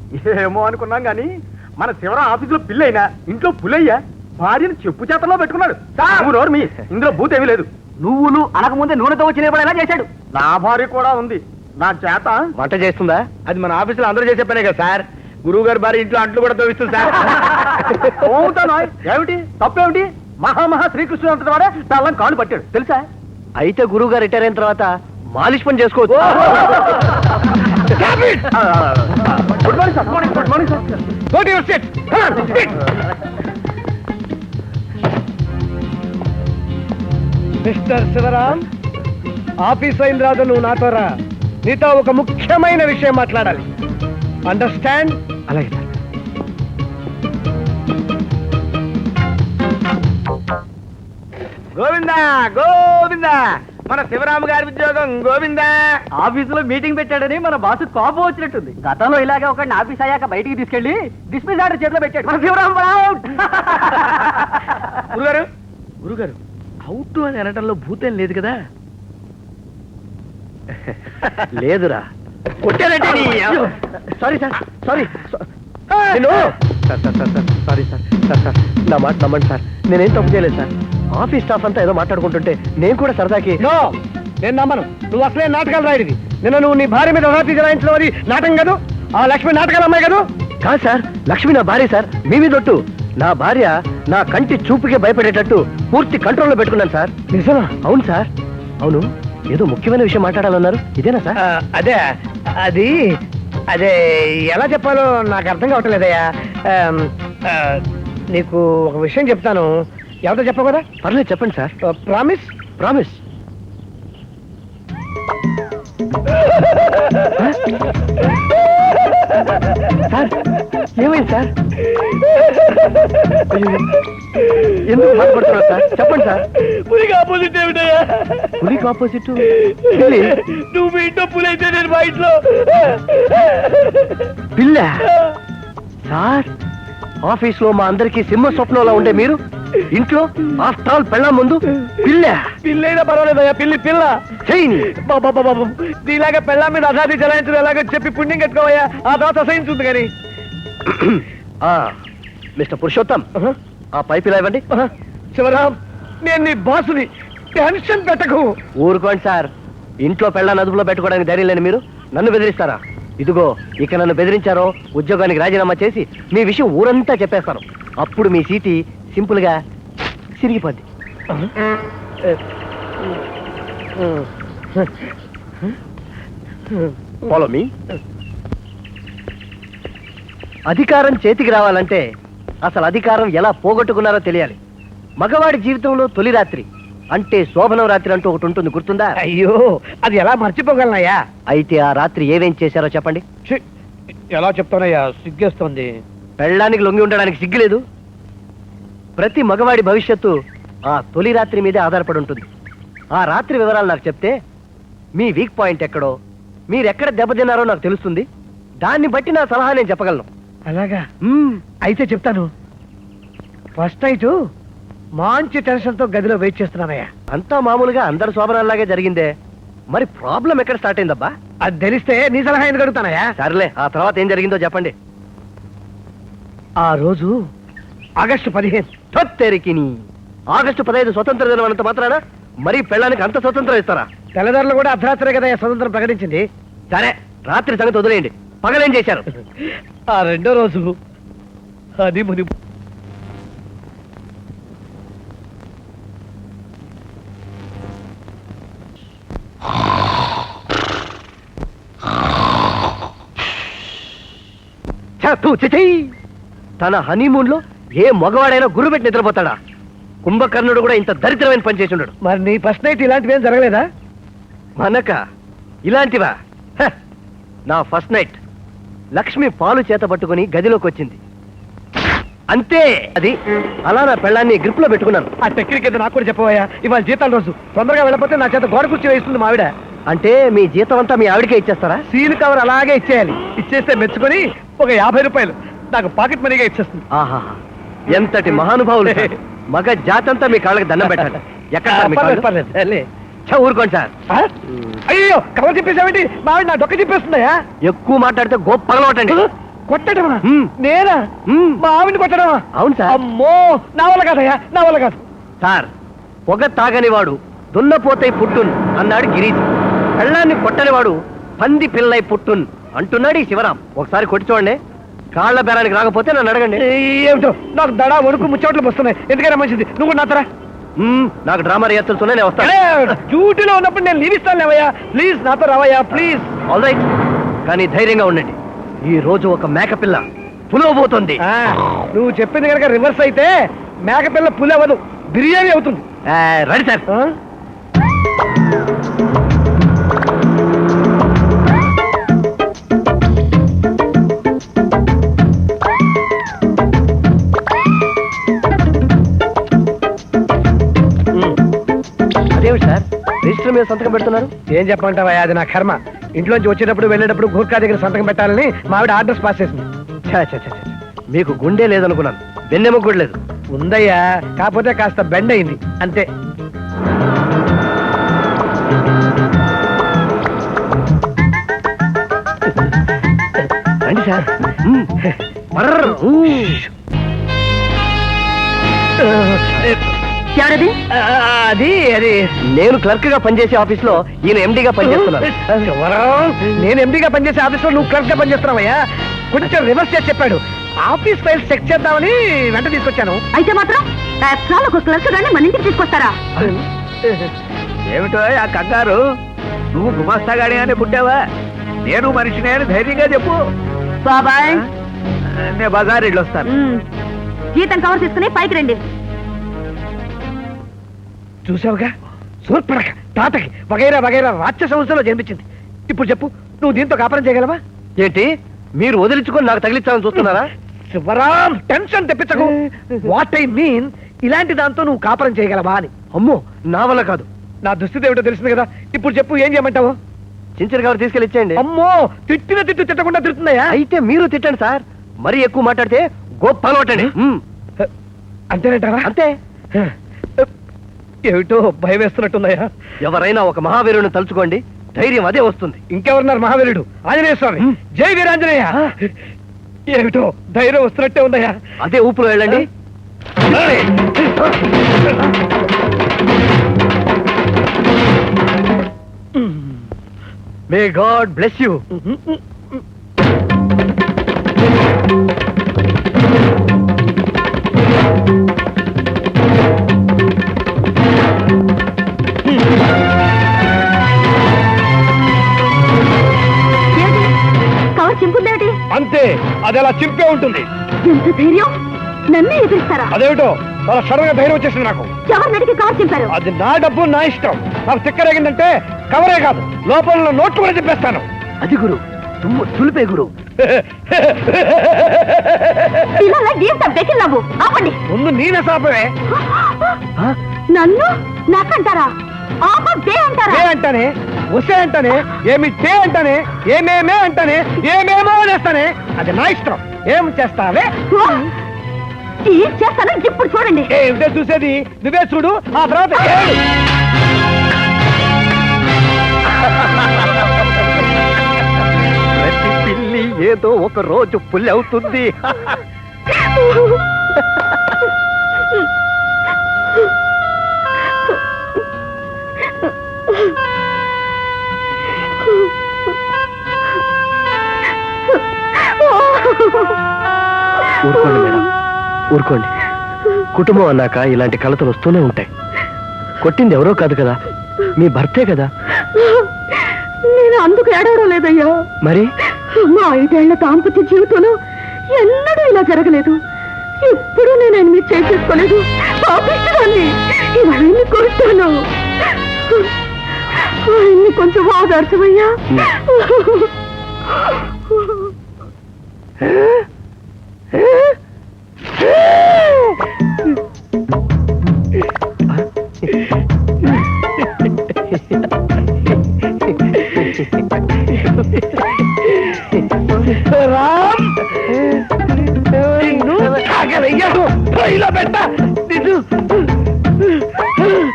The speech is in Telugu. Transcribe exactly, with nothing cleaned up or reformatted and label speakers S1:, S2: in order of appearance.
S1: ఏమో అనుకున్నాం గాని మన శివరాం ఆఫీసులో పిల్లైనా ఇంట్లో పులయ్యా భార్యను చెప్పు చేతల్లో పెట్టుకున్నాడు. నోరు మీ ఇందులో భూతేమీ లేదు.
S2: నువ్వులు అనకముందే నూనెతో వచ్చి నిలబడేలా చేశాడు.
S1: నా భార్య కూడా ఉంది నా చేత
S2: వంట చేస్తుందా? అది మన ఆఫీసులో అందరూ చేసే పనే కదా సార్. గురువు గారి భార్య ఇంట్లో అంట్లు కూడా తోవిస్తుంది సార్.
S1: అవుతాను. ఏమిటి తప్పేమిటి? మహామహా శ్రీకృష్ణుడు అంతటి వాడే పెళ్ళం కాళ్ళు పట్టాడు తెలుసా?
S2: అయితే గురువు గారు రిటైర్ అయిన తర్వాత మాలిష్ పని చేసుకోవచ్చు.
S1: Good morning sir. Good morning sir.
S2: Go to your seat. Come on, sit. Mister Shivaram, office అయిన రాదు నువ్వు నాతో రా. నీతో ఒక ముఖ్యమైన విషయం మాట్లాడాలి. అండర్స్టాండ్?
S1: అలాగే సార్.
S2: గోవిందా గోవిందా, మన శివరామ గారి ఉద్యోగం గోవిందా. ఆఫీసులో మీటింగ్ పెట్టాడని మన బాసు కోపం వచ్చినట్టుంది. గతంలో ఇలాగే ఒకడిని ఆఫీస్ అయ్యాక బయటికి తీసుకెళ్లి డిస్మిస్ ఆర్డర్ చేతిలో పెట్టాడు మన శివరాం. గురుగారు గురుగారు అవుట్ అని అనటంలో భూతం లేదు కదా? లేదురా. కొట్టానంటే sorry sir, sorry sorry sir. Sir sir నా మాట నమ్మండి సార్, నేనేం తప్పు చేయలేదు సార్. ఆఫీస్ స్టాఫ్ అంతా ఏదో మాట్లాడుకుంటుంటే నేను కూడా సరదాకి. నేను నమ్మను. నువ్వు అసలే నాటకాలు రాయడివి. నిన్న నువ్వు నీ భార్య మీద రాత్రి జరాయించడం అది నాటకం కాదు. ఆ లక్ష్మి నాటకాలు అమ్మాయి కాదు. కాదు సార్, లక్ష్మి నా భార్య సార్. మీ మీద ఒట్టు. నా భార్య నా కంటి చూపుకే భయపడేటట్టు పూర్తి కంట్రోల్లో పెట్టుకున్నాను సార్. నిజమా? అవును సార్. అవును, ఏదో ముఖ్యమైన విషయం మాట్లాడాలన్నారు, ఇదేనా సార్? అదే అది అదే ఎలా చెప్పాలో నాకు అర్థం కావట్లేదయ్యా. నీకు ఒక విషయం చెప్తాను, ఎవరితో చెప్పవు కదా? పర్లేదు చెప్పండి సార్. ప్రామిస్? ప్రామిస్. సార్ ఏమైంది సార్? ఎందుకు బాధపడుతున్నారు సార్? చెప్పండి సార్. పులికి ఆపోజిట్ ఏమిటయ్యా? పులికి ఆపోజిట్ నువ్వు మీ ఇంట్లో పులి అయితే నేను మా ఇంట్లో పిల్ల. సార్ ఆఫీస్ లో మా అందరికి సింహ స్వప్నంలో ఉండే మీరు ఇంట్లో ఆఫ్టర్ ఆల్ పెళ్ళ ముందు పిల్ల. పిల్లైనా పర్వాలేదయ్యా, పిల్లి పిల్ల చెయ్యి. బాబా బాబు నీలాగా పెళ్ళ మీద అసాధి చలాయించడం ఎలాగో చెప్పి పుణ్యం కట్టుకోవయ్యా, ఆ తర్వాత అసహించుంది కానీ. మిస్టర్ పురుషోత్తం, ఆ పైపు ఇలా ఇవ్వండి. శివరాం, నేను నీ బాసుని, టెన్షన్ పెట్టకు. ఊరుకోండి సార్. ఇంట్లో పెళ్ళ అదుపులో పెట్టుకోవడానికి ధైర్యం లేని మీరు నన్ను బెదిరిస్తారా? ఇదిగో ఇక నన్ను బెదిరించారో ఉద్యోగానికి రాజీనామా చేసి మీ విషయం ఊరంతా చెప్పేస్తాను. అప్పుడు మీ సీటి సింపుల్ గా సిరిగిపోద్ది. Follow me. అధికారం చేతికి రావాలంటే అసలు అధికారం ఎలా పోగొట్టుకున్నారో తెలియాలి. మగవాడి జీవితంలో తొలి రాత్రి అంటే శోభనం రాత్రి అంటూ ఒకటి ఉంటుంది, గుర్తుందా? అయ్యో, అది ఎలా మర్చిపోగలనయ్యా? అయితే ఆ రాత్రి ఏమేం చేశారో చెప్పండి. ఎలా చెప్తానయ్యా, సిగ్గేస్తోంది. పెళ్ళడానికి లొంగి ఉండడానికి సిగ్గులేదు. ప్రతి మగవాడి భవిష్యత్తు ఆ తొలి రాత్రి మీదే ఆధారపడి ఉంటుంది. ఆ రాత్రి వివరాలు నాకు చెప్తే మీ వీక్ పాయింట్ ఎక్కడో, మీరెక్కడ దెబ్బతిన్నారో నాకు తెలుస్తుంది. దాన్ని బట్టి నా సలహా నేను చెప్పగలను. అలాగా? అయితే చెప్తాను. ఫస్ట్ నైట్ మంచి టెన్షన్ తో గదిలో వెయిట్ చేస్తున్నానయ్యా. అంతా మామూలుగా అందరు శోభనాల్లాగే జరిగిందే, మరి ప్రాబ్లం ఎక్కడ స్టార్ట్ అయిందబ్బా? అది తెలిస్తే నీ సలహా ఎందుకు అడుగుతానయ్యా? సర్లే, ఆ తర్వాత ఏం జరిగిందో చెప్పండి. ఆ రోజు ఆగస్టు పదిహేను. తొత్తెరికిని ఆగస్టు పదహైదు స్వతంత్ర దినం అన్నంత మాత్రాన మరీ పెళ్ళానికి అంత స్వతంత్రం ఇస్తారా? తెల్లదారులు కూడా అర్ధరాత్రే కదా స్వతంత్రం ప్రకటించింది. సరే, రాత్రి సంగతి వదిలేయండి. పగలేం చేశారు? ఆ రెండో రోజు అది ముని తన హనీమూన్ లో ఏ మగవాడైనా గురు పెట్టి నిద్రపోతాడా? కుంభకర్ణుడు కూడా ఇంత దరిద్రమైన పని చేసి ఉండడు. మరి నీ ఫస్ట్ నైట్ ఇలాంటివి ఏం జరగలేదా? మనక ఇలాంటివా? నా ఫస్ట్ నైట్ లక్ష్మి పాలు చేత పట్టుకుని గదిలోకి వచ్చింది, అంతే. అది అలా నా పెళ్ళాన్ని గ్రిప్ లో పెట్టుకున్నాను. ఆ టెక్నిక్ ఏదో నాకు కూడా చెప్పవయ్యా. ఇవాళ జీతాల రోజు, తొందరగా వెళ్ళకపోతే నా చేత గోడ కుర్చీ వేస్తుంది మా ఆవిడ. అంటే మీ జీతం అంతా మీ ఆవిడకే ఇచ్చేస్తారా? సీల్ కవర్ అలాగే ఇచ్చేయాలి. ఇచ్చేస్తే మెచ్చుకొని ఒక యాభై రూపాయలు నాకు పాకెట్ మనీగా ఇచ్చేస్తుంది. ఆహా, ఎంతటి మహానుభావులు. మగ జాతంతా మీ కాళ్ళకి దండం పెట్టాలి. ఎక్కడ ఊరుకోండి సార్. అయ్యో, కవర్ చెప్పేసావేంటి? మా ఆవిడ నా డొక్క చెప్పేస్తుందయా. ఎక్కువ మాట్లాడితే గోప్ పగలవటండి. కొట్టడమా?
S1: మ్మ్.
S2: నేనా?
S1: మ్మ్.
S2: మా ఆవిని కొట్టడమా?
S1: అవును సార్.
S2: అమ్మో, నా వల్ల కాదయ్యా, నా వల్ల కాదు. సార్, పొగ తాగనివాడు దున్నపోతై పుట్టున్ అన్నాడు గిరీష్. పెళ్ళాన్ని కొట్టనివాడు పంది పిల్లై పుట్టున్ అంటున్నాడు ఈ శివరాం. ఒకసారి కొట్టి చూడండి. కాళ్ళ బేరానికి రాకపోతే నన్ను అడగండి. ఏమిటో నాకు దడా వణుకు ముచ్చోట్లు వస్తున్నాయి. ఎందుకైనా మంచిది నువ్వు కూడా నాతరా. నాకు డ్రామా రియాక్తులున్నాయి, నేను వస్తాను. డ్యూటీలో ఉన్నప్పుడు నేను లీవ్ ఇస్తాను లేవయ్యా. ప్లీజ్ నాతో రావయ్యా, ప్లీజ్. ఆల్ రైట్, కానీ ధైర్యంగా ఉండండి. ఈ రోజు ఒక మేకపిల్ల పులవబోతుంది. నువ్వు చెప్పింది కనుక రివర్స్ అయితే మేకపిల్ల పులి అవ్వదు, బిర్యానీ అవుతుంది. Ready sir. అదేమిటి సార్ రిజిస్టర్ మీద సంతకం పెడుతున్నారు? ఏం చెప్పమంటావా, అది నా కర్మ. ఇంట్లోంచి వచ్చేటప్పుడు వెళ్ళేటప్పుడు గూర్ఖా దగ్గర సంతకం పెట్టాలని మా ఆవిడ ఆర్డర్స్ పాస్ చేసింది. ఛా, ఛా, ఛా, ఛా. మీకు గుండె లేదనుకున్నాను, వెన్నెముక కూడా లేదు. ఉందయ్యా, కాకపోతే కాస్త బెండ్ అయింది అంతే. రండి సార్. మర్రర్.
S3: ఎవరది?
S2: అది అది నేను క్లర్క్ గా పనిచేసే ఆఫీస్ లో ఈయన ఎండిగా పనిచేస్తున్నాను. నేను ఎండిగా పనిచేసే ఆఫీస్ లో నువ్వు క్లర్క్ గా పనిచేస్తున్నావయ్యా. కొంచెం రివర్స్ చేసి చెప్పాడు. ఆఫీస్ ఫైల్స్ చెక్ చేద్దామని వెంట తీసుకొచ్చాను.
S3: అయితే మాత్రం ఒక క్లర్క్ గాని మన ఇంటికి తీసుకొస్తారా?
S1: ఏమిటో ఆ కంగారు? నువ్వు గుమాస్తాగాడిగానే పుట్టావా? నేను మనిషినే అని ధైర్యంగా చెప్పు.
S3: బాబాయ్,
S1: నేను బజార్ ఇళ్ళు వస్తాను.
S3: మ్మ్. జీతం కవర్ తీసుకుని పైకి రండి.
S2: చూసావుగా, సూర్పడక తాతకి వగైరా వగైరా రాక్షస సంస్థలో జన్మించింది. ఇప్పుడు చెప్పు, నువ్వు దీంతో కాపురం చేయగలవా? ఏంటి మీరు వదిలించుకొని నాకు తగిలించాలని చూస్తున్నారా? శివరాం, టెన్షన్ తెప్పించకు. వాట్ ఐ మీన్, ఇలాంటి దాంతో నువ్వు కాపురం చేయగలవా అని. అమ్మో, నా వల్ల కాదు. నా దుస్థితి ఏమిటో తెలిసింది కదా. ఇప్పుడు చెప్పు, ఏం చేయమంటావు? చించర్ గారు తీసుకెళ్ళి ఇచ్చేయండి. అమ్మో, తిట్టిన తిట్టు తిట్టకుండా తిడుతున్నాయా? అయితే మీరు తిట్టండి సార్. మరీ ఎక్కువ మాట్లాడితే గొప్ప అలవాటండి. అంతేనంటారా? అంతే. ఏమిటో భయం వేస్తున్నట్టున్నాయా? ఎవరైనా ఒక మహావీరుని తలుచుకోండి, ధైర్యం అదే వస్తుంది. ఇంకెవరున్నారు మహావీరుడు? ఆంజనేయ స్వామి. జై వీరాంజనేయ. ఏమిటో ధైర్యం వస్తున్నట్టే ఉందయ్యా. అదే ఊపులో వెళ్ళండి. May god bless you.
S3: Cover చింపుందేమిటి?
S2: అంతే, అది అలా చింపే ఉంటుంది.
S3: ఎంత ధైర్యం! నన్నే ఎదురిస్తారా?
S2: అదేమిటో చాలా సడన్ గా ధైర్యం వచ్చేసింది నాకు.
S3: ఎవరు నడికి కవర్ చింపారు?
S2: అది నా డబ్బు, నా ఇష్టం. నాకు తిక్కరేగిందంటే కవరే కాదు, లోపల నోట్లు కూడా చెప్పేస్తాను. అది గురు, తుమ్ము తులిపే గురు.
S3: పిల్లల జీవితం పెకిల్లావు. ఆపండి.
S2: ముందు నేనే సాపవే.
S3: నన్ను నాకంటారా? ఆపే అంటారా?
S2: ఏ అంటానే, వసే అంటానే, ఏమి టే అంటానే, ఏమేమే అంటానే, ఏమేమో అనేస్తానే. అది నా ఇష్టం. ఏం చేస్తావే?
S3: ఏం చేస్తానో ఇప్పుడు చూడండి.
S2: ఏమిటో చూసేది? నువ్వే చూడు, ఆ తర్వాత ఏడు. ప్రతి పిల్లి ఏదో ఒక రోజు పుల్లి అవుతుంది. ఊరుకోండి మేడం, ఊరుకోండి. కుటుంబం అన్నాక ఇలాంటి కలతలు వస్తూనే ఉంటాయి. కొట్టింది ఎవరో కాదు కదా, మీ భర్తే కదా.
S3: నేను అందుకు ఏడవడం లేదయ్యా.
S2: మరి
S3: మా ఐదేళ్ల దాంపత్య జీవితంలో ఎన్నడూ ఇలా జరగలేదు. ఎప్పుడు నేను ఎన్ని చేసేసుకోలేదు. పాపిస్తాన్ని ఇవన్నీ కొట్టాను. ఆయన్ని కొంచెం ఆదర్శమయ్యా.
S2: రామ్, ఇలా పెట్ట